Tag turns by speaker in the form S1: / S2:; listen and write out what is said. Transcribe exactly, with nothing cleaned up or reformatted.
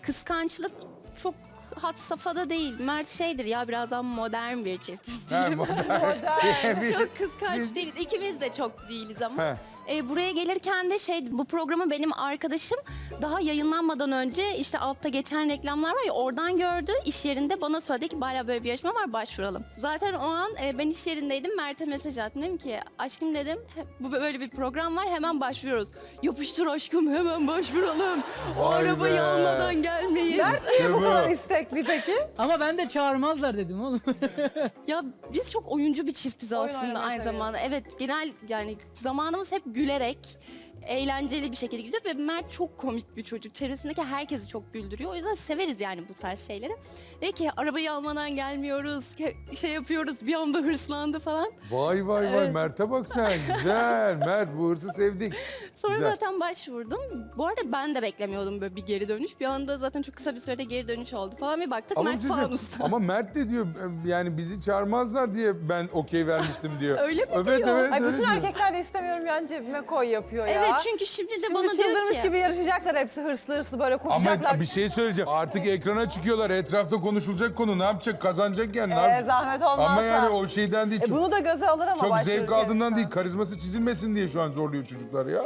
S1: kıskançlık çok had safhada değil. Mert şeydir ya, birazdan modern bir çiftiz
S2: Ha,
S1: diyeyim.
S2: modern. Biz-
S1: Çok kıskanç
S2: biz-
S1: değiliz. İkimiz de çok değiliz ama.
S2: He.
S1: E, buraya gelirken de şey, bu programı benim arkadaşım daha yayınlanmadan önce işte altta geçen reklamlar var ya, oradan gördü. İş yerinde bana söyledi ki Bala böyle bir yarışma var, başvuralım. Zaten o an e, ben iş yerindeydim, Mert'e mesaj attım. Dedim ki aşkım dedim, bu böyle bir program var, hemen başvuruyoruz. Yapıştır aşkım, hemen başvuralım. O
S2: Vay
S1: arabayı
S2: be.
S1: almadan gelmeyiz.
S3: Mert niye bu
S2: İşte bu.
S3: kadar istekli peki?
S4: Ama ben de çağırmazlar dedim oğlum.
S1: Ya biz çok oyuncu bir çiftiz
S3: Oyun
S1: aslında
S3: oynamayı
S1: aynı zamanda. Evet, genel yani zamanımız hep gülerek, eğlenceli bir şekilde gidiyor ve Mert çok komik bir çocuk. Çevresindeki herkesi çok güldürüyor. O yüzden severiz yani bu tarz şeyleri. Dedi ki arabayı almadan gelmiyoruz, ke- şey yapıyoruz, bir anda hırslandı falan.
S2: Vay vay vay
S1: Evet.
S2: Mert'e bak sen. Güzel. Mert bu hırsı sevdik.
S1: Sonra
S2: Güzel.
S1: zaten başvurdum. Bu arada ben de beklemiyordum böyle bir geri dönüş. Bir anda zaten çok kısa bir sürede geri dönüş oldu falan. Bir baktık
S2: Ama, bir
S1: Mert
S2: şey söyleyeyim.
S1: fanusta.
S2: Ama Mert de diyor yani bizi çağırmazlar diye ben okey vermiştim diyor.
S1: Öyle mi
S2: evet,
S1: diyor?
S2: Evet
S3: Ay
S2: öyle
S3: bütün
S2: diyor.
S3: erkekler de istemiyorum yani cebime koy yapıyor ya.
S1: Evet, çünkü şimdi de
S3: Şimdi
S1: bana diyor
S3: çıldırmış
S1: ki...
S3: gibi yarışacaklar hepsi hırslı hırslı böyle koşacaklar.
S2: Ama bir şey söyleyeceğim. Artık ekrana çıkıyorlar. Etrafta konuşulacak konu. Ne yapacak? Kazanacak yani. Ne
S3: Ee,
S2: yapacak?
S3: zahmet olmazsa.
S2: Ama yani o şeyden değil.
S3: E
S2: Çok,
S3: bunu da göze alır ama
S2: çok zevk
S3: başvururken.
S2: aldığından değil. Karizması çizilmesin diye şu an zorluyor çocuklar ya.